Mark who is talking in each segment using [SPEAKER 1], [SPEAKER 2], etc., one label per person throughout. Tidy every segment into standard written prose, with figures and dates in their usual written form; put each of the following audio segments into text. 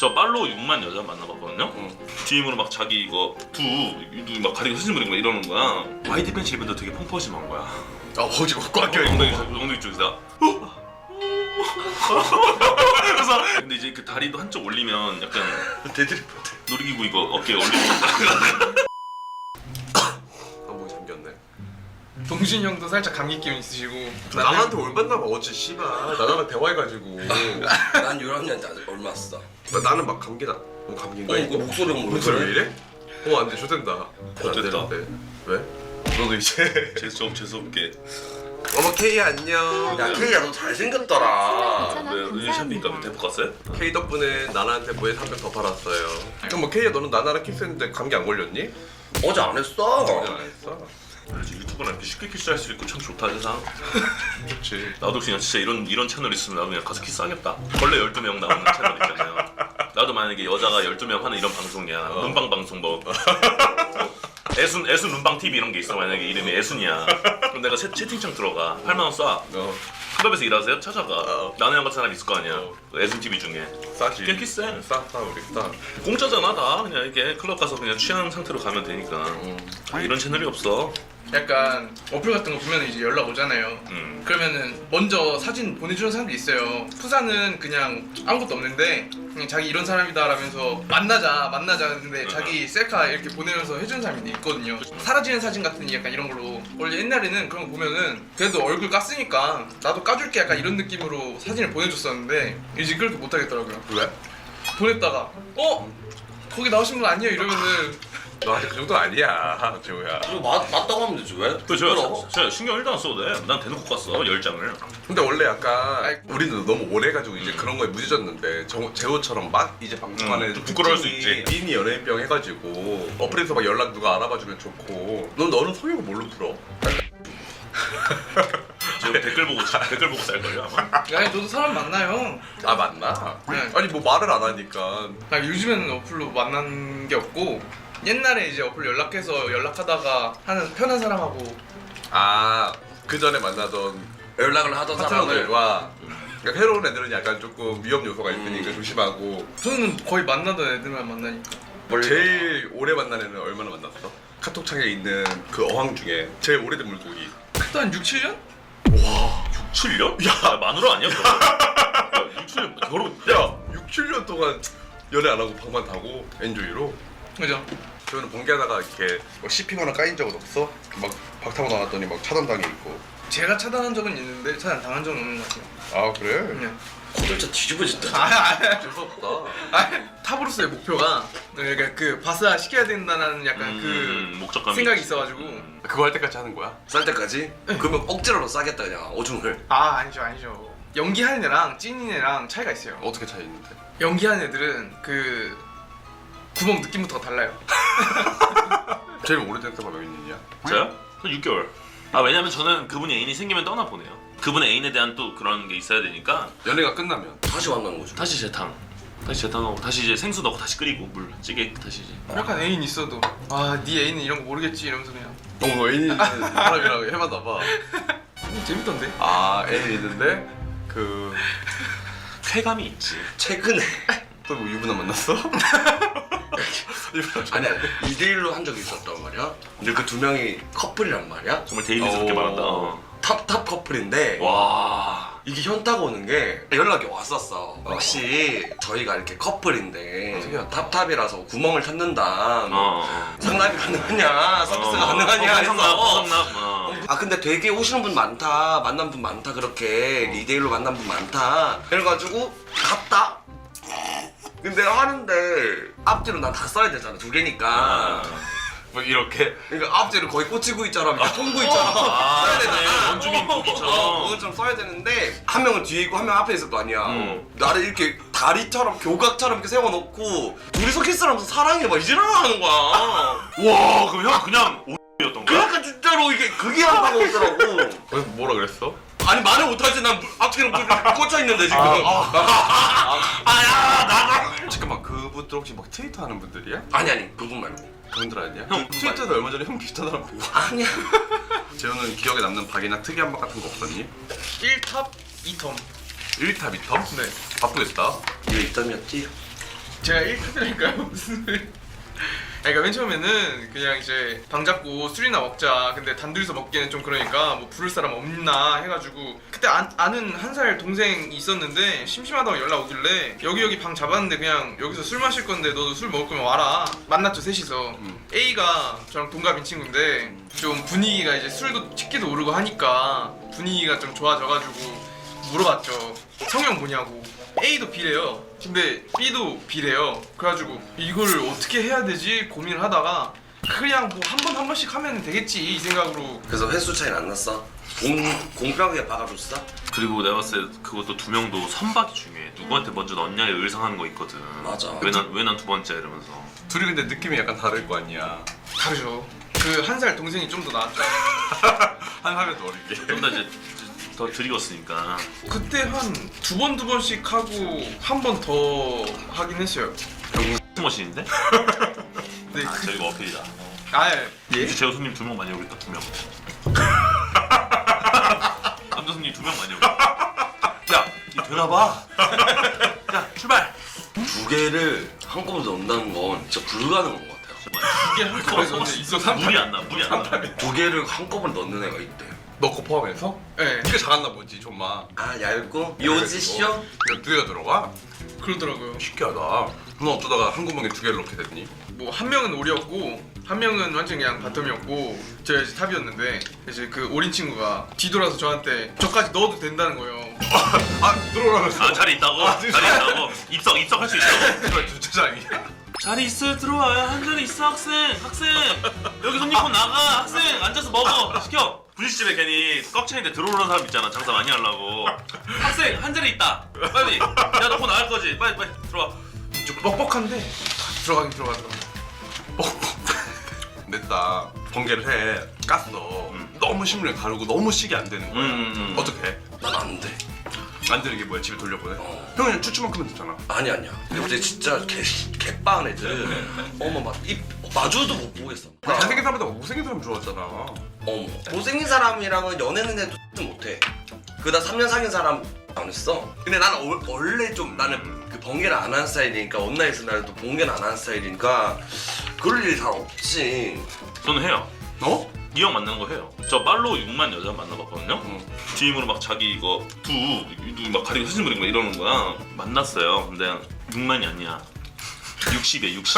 [SPEAKER 1] 저 팔로 6만 여자 만나봤거든요. DM으로 막 자기 이거 막 가리고 사진 보내고 막 이러는 거야. YD 팬츠 입은데 되게 펑퍼짐한 거야.
[SPEAKER 2] 아 어지 꽉 껴.
[SPEAKER 1] 엉덩이 쪽에서. 그래서 근데 이제 그 다리도 한쪽 올리면 약간
[SPEAKER 2] 대들이
[SPEAKER 1] 놀이기구 이거 어깨에 올리고.
[SPEAKER 2] 뭐 잠겼네.
[SPEAKER 3] 동신 형도 살짝 감기 기운 있으시고.
[SPEAKER 2] 나한테 올받나 봐. 어째 씨발 나랑 대화해가지고.
[SPEAKER 4] 난 유람이한테 아직 얼마 안 써.
[SPEAKER 2] 나는 막 감기다. 뭐 감기인가
[SPEAKER 4] 이거 목소리가
[SPEAKER 2] 목소리 왜 이래? 안돼 좋댄다.
[SPEAKER 1] 좋댔다.
[SPEAKER 2] 왜? 너도 이제
[SPEAKER 1] 재수없게.
[SPEAKER 2] 어머 K 안녕.
[SPEAKER 4] 야 케이야 너 잘생겼더라.
[SPEAKER 1] 왜 샵니까 대포 갔어요?
[SPEAKER 2] K 덕분에 나나한테 뭐에 300 더 팔았어요. 그럼 뭐 K야 너는 나나랑 키스했는데 감기 안 걸렸니?
[SPEAKER 4] 어제 안 했어.
[SPEAKER 2] 안 했어.
[SPEAKER 1] 그래서 유튜브는 이렇게 쉽게 키스할 수 있고 참 좋다 세상.
[SPEAKER 2] 그렇지.
[SPEAKER 1] 나도 그냥 진짜 이런 채널 있으면 나도 그냥 가서 키스하겠다. 원래 12명 나오는 채널 있잖아요. 나도 만약에 여자가 12명 하는 이런 방송이야. 눈방 방송 뭐 애순 눈방 TV 이런 게 있어. 만약에 이름이 애순이야. 그럼 내가 채팅창 들어가. 8만 원 쏴. 클럽에서 일하세요? 찾아가. 나는 형 같은 사람 있을 거 아니야. 애순 TV 중에.
[SPEAKER 2] 싸지.
[SPEAKER 1] 그냥 키스해.
[SPEAKER 2] 싸 우리 싸.
[SPEAKER 1] 공짜잖아 다. 그냥 이렇게 클럽 가서 그냥 취한 상태로 가면 되니까. 이런 채널이 없어.
[SPEAKER 3] 약간 어플 같은 거 보면 이제 연락 오잖아요. 그러면은 먼저 사진 보내주는 사람도 있어요. 푸사는 그냥 아무것도 없는데 그냥 자기 이런 사람이다라면서 만나자 근데 자기 셀카 이렇게 보내면서 해주는 사람이 있거든요. 사라지는 사진 같은 약간 이런 걸로. 원래 옛날에는 그런 거 보면은 그래도 얼굴 깠으니까 나도 까줄게 약간 이런 느낌으로 사진을 보내줬었는데 이제 그렇게 못하겠더라고요.
[SPEAKER 2] 왜?
[SPEAKER 3] 보냈다가 거기 나오신 분 아니에요 이러면은
[SPEAKER 2] 너 아직 그 정도 아니야, 재호야.
[SPEAKER 4] 이거 맞다고 하면 되지 왜?
[SPEAKER 1] 그 제가 신경 1도 안 써도 돼. 난 대놓고 갔어 10장을.
[SPEAKER 2] 근데 원래 약간
[SPEAKER 3] 아이,
[SPEAKER 2] 우리는 너무 오래 해가지고 이제 그런 거에 무뎌졌는데 재호처럼 막 이제 방송하는
[SPEAKER 1] 좀 부끄러울 수 있지.
[SPEAKER 2] 삐니 연예인병 해가지고 어플에서 막 연락 누가 알아봐주면 좋고. 너는 성욕을 뭘로 풀어?
[SPEAKER 1] 지금 댓글 보고 쌀 걸요 아마.
[SPEAKER 3] 아니 너도 사람 만나요.
[SPEAKER 2] 아 맞나?
[SPEAKER 3] 네.
[SPEAKER 2] 아니 뭐 말을 안 하니까.
[SPEAKER 3] 요즘에는 어플로 만난 게 없고 옛날에 이제 어플 연락하다가 하는 편한 사람하고
[SPEAKER 2] 그 전에 만나던
[SPEAKER 4] 연락을 하던 사람을
[SPEAKER 2] 파트너들과 그러니까 새로운 애들은 약간 조금 위험 요소가 있으니까 조심하고.
[SPEAKER 3] 저는 거의 만나던 애들만 만나니까.
[SPEAKER 2] 제일 오래 만난 애는 얼마나 만났어? 카톡창에 있는 그 어항 중에 제일 오래된 물고기.
[SPEAKER 3] 그때 한 6, 7년?
[SPEAKER 1] 7년? 야 마누라 아니야? 야, 6, 7년 결혼.
[SPEAKER 2] 야 6, 7년 동안 연애 안 하고 방만 타고 엔조이로.
[SPEAKER 3] 그죠?
[SPEAKER 2] 저는 번개하다가 이렇게 뭐 씹히거나 까인 적은 없어? 막 박 타고 나왔더니 막 차단당해 있고.
[SPEAKER 3] 제가 차단한 적은 있는데 차단 당한 적은 없는 것 같아요.
[SPEAKER 2] 아 그래?
[SPEAKER 3] 그냥
[SPEAKER 4] 고들자 뒤집어진다.
[SPEAKER 2] 무섭다.
[SPEAKER 3] 탑으로서의 목표가 그러니까 그 바스화 시켜야 된다는 약간 그
[SPEAKER 1] 목적감이
[SPEAKER 3] 생각이
[SPEAKER 1] 있지.
[SPEAKER 3] 있어가지고
[SPEAKER 2] 그거 할 때까지 하는 거야?
[SPEAKER 4] 쌀 때까지? 그러면 억지로 싸겠다 그냥 오줌을.
[SPEAKER 3] 아니죠. 연기하는 애랑 찐인 애랑 차이가 있어요.
[SPEAKER 2] 어떻게 차이 있는데?
[SPEAKER 3] 연기하는 애들은 그 구멍 느낌부터가 달라요.
[SPEAKER 2] 제일 오래된 때가 몇 년이냐?
[SPEAKER 1] 저요? 한 6개월. 왜냐면 저는 그분이 애인이 생기면 떠나 보내요. 그분의 애인에 대한 또 그런 게 있어야 되니까.
[SPEAKER 2] 연애가 끝나면
[SPEAKER 4] 다시 만나는 거죠.
[SPEAKER 1] 다시 재탕하고 다시 이제 생수 넣고 다시 끓이고 물 찌개 다시 이제.
[SPEAKER 3] 약간 애인 있어도 네 애인은 이런 거 모르겠지 이러면서 그냥
[SPEAKER 2] 너 애인 있는 사람이랑 해봤나 봐.
[SPEAKER 3] 재밌던데?
[SPEAKER 2] 애인 있는데 그
[SPEAKER 1] 쾌감이 있지.
[SPEAKER 4] 최근에
[SPEAKER 2] 또 뭐 유부남 만났어?
[SPEAKER 4] 아니야 2대1로 한 적이 있었단 말이야. 근데 그 두 명이 커플이란 말이야.
[SPEAKER 1] 정말 데일리스럽게 말한다.
[SPEAKER 4] 탑 커플인데
[SPEAKER 1] 와.
[SPEAKER 4] 이게 현타가 오는 게 연락이 왔었어. 혹시 저희가 이렇게 커플인데 탑이라서 구멍을 찾는다. 상납이 가능하냐? 서비스가 가능하냐? 해서 근데 되게 오시는 분 많다. 만난 분 많다. 그렇게 2대1로 만난 분 많다. 그래가지고 갔다. 근데 하는데 앞뒤로 난 다 써야 되잖아. 2개니까.
[SPEAKER 2] 뭐 이렇게
[SPEAKER 4] 그러니까 앞뒤로 거의 꽂히고 있잖아. 통구 있잖아. 써야 되잖아.
[SPEAKER 1] 원주민 고기처럼.
[SPEAKER 4] 그것처럼 써야 되는데 한 명은 뒤에 있고 한 명 앞에 있을 거 아니야. 나를 이렇게 다리처럼 교각처럼 이렇게 세워놓고 둘이서 키스를 하면서 사랑해 막 이지랄을 하는 거야.
[SPEAKER 1] 와 그럼 형 그냥 오였던 거야?
[SPEAKER 4] 그러니까 진짜로 이게 그게 한다고 하더라고.
[SPEAKER 2] 그래서 뭐라 그랬어?
[SPEAKER 4] 아니 말을 못하지. 난 앞뒤로 꽂혀있는데 지금.
[SPEAKER 2] 잠깐만 그분들 혹시 막 트위터 하는 분들이야?
[SPEAKER 4] 아니 그분 말고.
[SPEAKER 2] 그분들 아니야?
[SPEAKER 1] 형,
[SPEAKER 2] 트위터에서 얼마 전에 형 비슷한 사람 보고.
[SPEAKER 4] 아니야.
[SPEAKER 2] 재호는 기억에 남는 박이나 특이한 박 같은 거 없었니?
[SPEAKER 3] 1탑, 2텀.
[SPEAKER 2] 1탑 2탑?
[SPEAKER 3] 네.
[SPEAKER 2] 바쁘겠다.
[SPEAKER 4] 이게 입담이었지.
[SPEAKER 3] 제가 1탑이랄까요? 무슨 소리? 그러니까 맨 처음에는 그냥 이제 방 잡고 술이나 먹자. 근데 단둘이서 먹기에는 좀 그러니까 뭐 부를 사람 없나 해가지고 그때 아는 한 살 동생이 있었는데 심심하다고 연락 오길래 여기 방 잡았는데 그냥 여기서 술 마실 건데 너도 술 먹을 거면 와라. 만났죠 셋이서. A가 저랑 동갑인 친구인데 좀 분위기가 이제 술도 치기도 오르고 하니까 분위기가 좀 좋아져가지고 물어봤죠. 성형 뭐냐고. A도 B래요. 근데 B도 B래요. 그래가지고 이걸 어떻게 해야 되지 고민을 하다가 그냥 뭐 한 번씩 하면 되겠지 이 생각으로.
[SPEAKER 4] 그래서 횟수 차이는 안 났어? 공평하게 박아줬어?
[SPEAKER 1] 그리고 내가 봤을 때 그것도 두 명도 선박이 중요해. 누구한테 먼저 넣냐에 의상하는 거 있거든.
[SPEAKER 4] 맞아.
[SPEAKER 1] 왜 난 두 번째 이러면서.
[SPEAKER 2] 둘이 근데 느낌이 약간 다를 거 아니야.
[SPEAKER 3] 다르죠. 그 한 살 동생이 좀 더 나았죠.
[SPEAKER 2] 한 살이 더 어리게.
[SPEAKER 1] 좀 더 이제 더 들이었으니까.
[SPEAKER 3] 그때 한 두 번씩 하고 한 번 더 하긴 했어요.
[SPEAKER 1] 머신인데?
[SPEAKER 3] 네.
[SPEAKER 1] 아 저희가 어필이다.
[SPEAKER 3] 예?
[SPEAKER 1] 제호 손님 2명 많이 오겠다 2명. 남자 손님 2명 많이 오겠다. 야, 이 되나봐. 야, 출발.
[SPEAKER 4] 두 개를 한꺼번에 넣는다는 건 진짜 불가능한 것 같아요.
[SPEAKER 3] 이게 한꺼번에 넣는데 있어
[SPEAKER 1] 물이 안 나, 물이 안 나.
[SPEAKER 4] 두 개를 한꺼번에 넣는 애가 있대.
[SPEAKER 2] 너 거 포함해서?
[SPEAKER 3] 네.
[SPEAKER 2] 네가 잘한나 보지 좀만.
[SPEAKER 4] 아 얇고 요지쇼?
[SPEAKER 2] 두 개가 들어가?
[SPEAKER 3] 그러더라고요.
[SPEAKER 2] 신기하다. 너 어쩌다가 한 구멍에 두 개를 넣게 됐니?
[SPEAKER 3] 뭐 한 명은 오리였고 한 명은 완전 그냥 바텀이었고 제가 이제 탑이었는데 이제 그 오린 친구가 뒤돌아서 저한테 저까지 넣어도 된다는 거예요.
[SPEAKER 2] 아 들어오라면서.
[SPEAKER 1] 아, 자리 있다고? 자리 있다고? 입석할 수 있다고?
[SPEAKER 2] 이거 주차장이야.
[SPEAKER 1] 자리 있어요, 들어와요. 한 자리 있어, 학생. 여기 손님 폰 나가. 학생, 앉아서 먹어. 시켜. 분식집에 괜히 꺽차인데 들어오는 사람 있잖아. 장사 많이 하려고. 학생, 한 자리 있다. 빨리. 야, 너 폰 나갈 거지? 빨리 들어와.
[SPEAKER 3] 좀 뻑뻑한데 들어가긴 들어가더라고.
[SPEAKER 2] 냈다. 번개를 해. 깠어. 너무 심을 가르고 너무 식이 안 되는 거야. 어떻게 해?
[SPEAKER 4] 난 안 돼.
[SPEAKER 2] 안 되는 게 뭐야? 집에 돌려보내? 형은 추추만큼은 됐잖아.
[SPEAKER 4] 아니야. 근데 진짜 개빠은 애들은 어머 막 입 마주도 못 보겠어.
[SPEAKER 2] 잘생긴 사람보다 못생긴 사람 좋아하잖아.
[SPEAKER 4] 어머 못생긴 사람이랑은 연애는 해도 못해. 그다 3년 사귄 사람 안 했어. 근데 나는 원래 좀 나는 그 번개를 안 하는 스타일이니까 온라인에서 나도 번개를 안 하는 스타일이니까 그럴 일이 잘 없지.
[SPEAKER 1] 저는 해요.
[SPEAKER 2] 너?
[SPEAKER 1] 이 형 만나는 거 해요. 저 말로 6만 여자 만나봤거든요. DM으로 막 자기 이거 막 가리고 사진 그리고 막 이러는 거야. 만났어요. 근데 6만이 아니야. 60이야 60.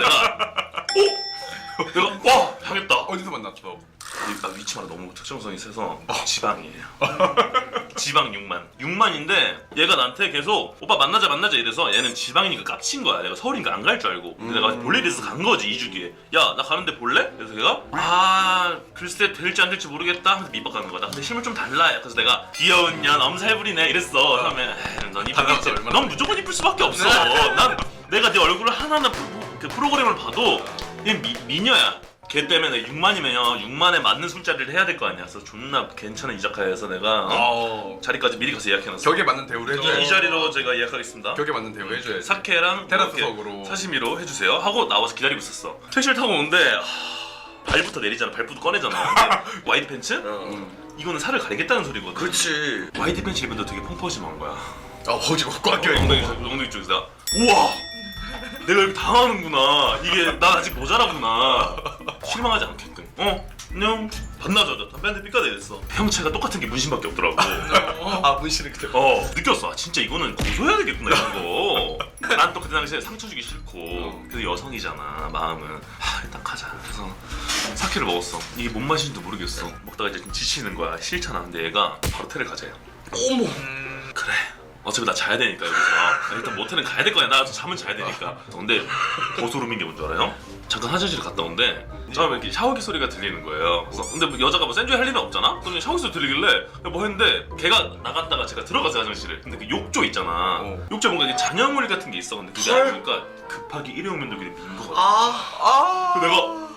[SPEAKER 1] 내가 와 하겠다.
[SPEAKER 2] 어디서 만났어?
[SPEAKER 1] 나 위치마다 너무 특정성이 세서 지방이에요. 지방 6만인데 얘가 나한테 계속 오빠 만나자 이래서 얘는 지방이니까 깝친 거야. 내가 서울이니까 안 갈 줄 알고. 근데 내가 볼래 이래서 간 거지 2주 뒤에. 야 나 가는데 볼래? 그래서 걔가 글쎄 될지 안 될지 모르겠다 하면서 밑박가는 거야. 나 근데 실물 좀 달라. 그래서 내가 귀여운 년 엄살 부리네 이랬어. 처음에 넌 이쁘겠지. 넌 무조건 이쁠 수밖에 없어. 난 내가 네 얼굴을 하나하나 그 프로그램을 봐도 얘 미녀야. 걔 때문에 6만이면 6만에 맞는 술자리를 해야 될 거 아니야. 그래서 존나 괜찮은 이자카야에서 내가 자리까지 미리 가서 예약해놨어.
[SPEAKER 2] 격에 맞는 대우를 해줘야지.
[SPEAKER 1] 이 자리로 제가 예약하겠습니다.
[SPEAKER 2] 격에 맞는 대우 해줘야지.
[SPEAKER 1] 사케랑
[SPEAKER 2] 테라스석으로.
[SPEAKER 1] 사시미로 해주세요 하고 나와서 기다리고 있었어. 택시를 타고 오는데 발부터 내리잖아. 발부터 꺼내잖아. 근데 와이드 팬츠? 이거는 살을 가리겠다는 소리거든.
[SPEAKER 4] 그렇지.
[SPEAKER 1] 와이드 팬츠 입으면 되게 펑퍼짐한 거야.
[SPEAKER 2] 어지고 꽉 껴있고.
[SPEAKER 1] 엉덩이 쪽에서 우와 내가 이렇게 당하는구나. 이게 난 아직 모자라구나. 실망하지 않게끔. 안녕. 반나절 담배 한 대 삐까대 이랬어. 형체가 똑같은 게 문신밖에 없더라고.
[SPEAKER 2] 아 문신을 그때.
[SPEAKER 1] 느꼈어. 진짜 이거는 고소해야 되겠구나 이런 거. 난 또 그때 당시에 상처 주기 싫고. 그래도 여성이잖아 마음은. 일단 가자. 그래서 사케를 먹었어. 이게 뭔 맛인지도 모르겠어. 먹다가 이제 좀 지치는 거야. 싫잖아. 근데 얘가 바로 테를 가자요.
[SPEAKER 4] 어머.
[SPEAKER 1] 그래. 어차피 나 자야 되니까 여기서 일단 모텔은 가야 될 거야. 나 잠은 자야 되니까. 근데 더 소름인 게 뭔지 알아요? 잠깐 화장실을 갔다 온데 처음에 이렇게 샤워기 소리가 들리는 거예요. 그래서 근데 뭐 여자가 뭐 센조이 할 일은 없잖아? 그럼 샤워기 소리 들리길래 뭐 했는데 걔가 나갔다가 제가 들어갔어요 화장실에. 근데 그 욕조 있잖아. 욕조에 뭔가 이게 잔여물 같은 게 있어. 근데 그게 아니니까 급하게 일회용 면도기를 민 거거든. 내가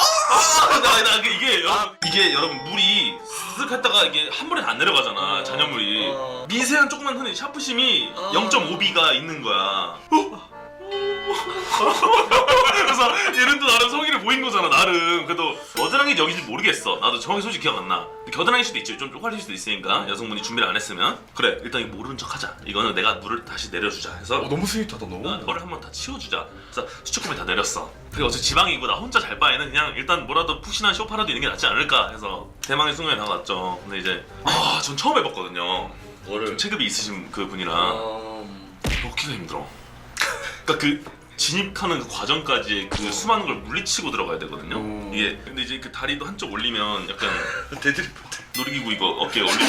[SPEAKER 1] 이게 여러분 물이 쓱 했다가 이게 한 번에 안 내려가잖아. 잔여물이 미세한 조그만 흔히 샤프심이 0.5B가 있는 거야. 그래서 얘는 또 나름 성의를 보인 거잖아 나름. 그래도 겨드랑이 여기인지 모르겠어. 나도 정확히 솔직히 기억 안 나. 겨드랑이일 수도 있지. 좀 쪽팔릴 수도 있으니까 여성분이 준비를 안 했으면 그래 일단 이거 모르는 척 하자. 이거는 내가 물을 다시 내려주자 해서
[SPEAKER 2] 너무 스윗하다 너.
[SPEAKER 1] 혀를 한번 다 치워주자. 그래서 수축구에 다 내렸어. 그리고 어차피 지방이고 나 혼자 잘 바에는 그냥 일단 뭐라도 푹신한 쇼파라도 있는 게 낫지 않을까 해서 대망의 순간에 나갔죠. 근데 이제 전 처음 해봤거든요.
[SPEAKER 4] 뭐를
[SPEAKER 1] 체급이 있으신 그 분이랑 먹기가 힘들어. 그러니까 그 진입하는 그 과정까지 그 수많은 걸 물리치고 들어가야 되거든요. 이게 근데 이제 그 다리도 한쪽 올리면 약간
[SPEAKER 4] 데드리프트.
[SPEAKER 1] 놀이기구 이거 어깨에 올리고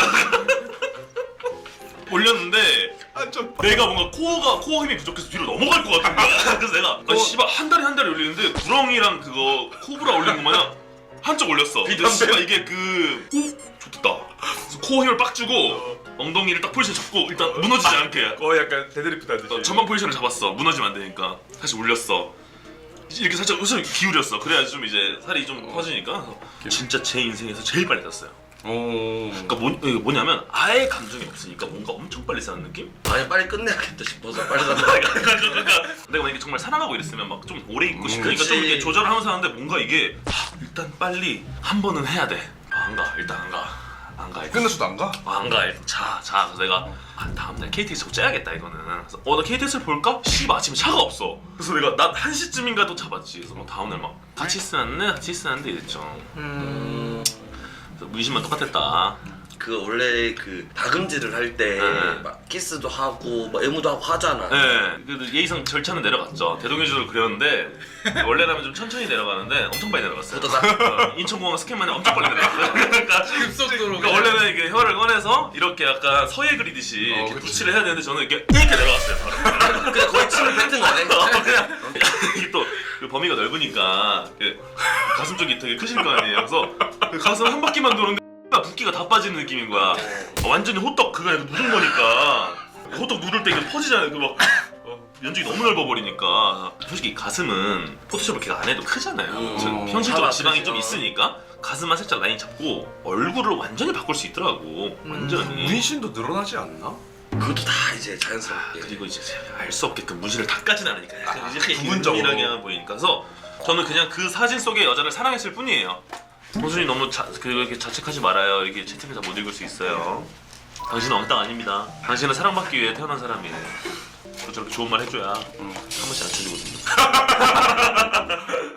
[SPEAKER 1] 올렸는데 내가 뭔가 코어 힘이 부족해서 뒤로 넘어갈 것 같은 거야. 그래서 내가 씨발 한 다리 올리는데 구렁이랑 그거 코브라 올리는 거 마냥 한쪽 올렸어. 근데 씨발 이게 좋겠다. 그래서 코어 힘을 빡 주고 엉덩이를 딱 포지션 잡고 일단 무너지지 않게
[SPEAKER 2] 약간 데드리프트 하듯이.
[SPEAKER 1] 전방 포지션을 잡았어. 무너지면 안 되니까 다시 올렸어. 이렇게 살짝 웃음 기울였어. 그래야지 좀 이제 살이 좀 퍼지니까. 진짜 제 인생에서 제일 빨리 탔어요. 그러니까 뭐냐면 아예 감정이 없으니까 뭔가 엄청 빨리 사는 느낌?
[SPEAKER 4] 아니 빨리 끝내야겠다 싶어서 빨리 사는
[SPEAKER 1] 그러니까 내가 만약에 정말 사랑하고 이랬으면 막 좀 오래 있고 싶으니까 좀 이렇게 조절을 하면서 하는데 뭔가 이게 일단 빨리 한 번은 해야 돼. 안 가. 일단 안 가.
[SPEAKER 2] 끝났어도 안 가?
[SPEAKER 1] 안 가. 일단 자. 그래서 내가 다음날 KTX 꼭 째야겠다 이거는. 그래서 나 KTX를 볼까? 씨발 아침에 차가 없어. 그래서 내가 나 1시쯤인가 또 잡았지. 그래서 막 다음날 막 같이 쓰는데 이랬죠. 그래서 문신만 똑같았다.
[SPEAKER 4] 그 원래 그 다금질을 할 때 막 키스도 하고 막 애무도 하고 하잖아.
[SPEAKER 1] 네, 그래도 예의상 절차는 내려갔죠. 대동여지로 그렸는데 원래라면 좀 천천히 내려가는데 엄청 빨리 내려갔어요. 인천공항 스캔만에 엄청 빨리 내려갔어요. 그러니까 원래는 이게 혀를 꺼내서 이렇게 약간 서예 그리듯이 이렇게 붙이를 해야 되는데 저는 이렇게 내려갔어요. 바로.
[SPEAKER 4] 그냥 거의 침을 뱉은 거네.
[SPEAKER 1] 그냥 이게 또 그 범위가 넓으니까 가슴 쪽이 되게 크실 거 아니에요. 그래서 그 가슴 한 바퀴만 도는데 붓기가 다 빠지는 느낌인 거야. 완전히 호떡 그거 아니고 누른 거니까 호떡 누를 때 이게 퍼지잖아요. 그 막 면적이 너무 넓어버리니까. 솔직히 가슴은 포토샵을 걔가 안 해도 크잖아요. 현실적으로 지방이 좀 있으니까 가슴만 살짝 라인 잡고 얼굴을 완전히 바꿀 수 있더라고. 완전히.
[SPEAKER 2] 문신도 늘어나지 않나?
[SPEAKER 4] 그것도 다 이제 자연스럽게.
[SPEAKER 1] 그리고 이제 알 수 없게끔 문신을 닦아진 않으니까 약간 이제
[SPEAKER 2] 부분적으로.
[SPEAKER 1] 부분적으로 보이니까. 그래서 저는 그냥 그 사진 속의 여자를 사랑했을 뿐이에요. 호준이 너무 그렇게 자책하지 말아요. 이렇게 채팅을 다 못 읽을 수 있어요. 당신은 엉뚱 아닙니다. 당신은 사랑받기 위해 태어난 사람이에요. 또 저렇게 좋은 말 해줘야 한 번씩 안 쳐주거든요.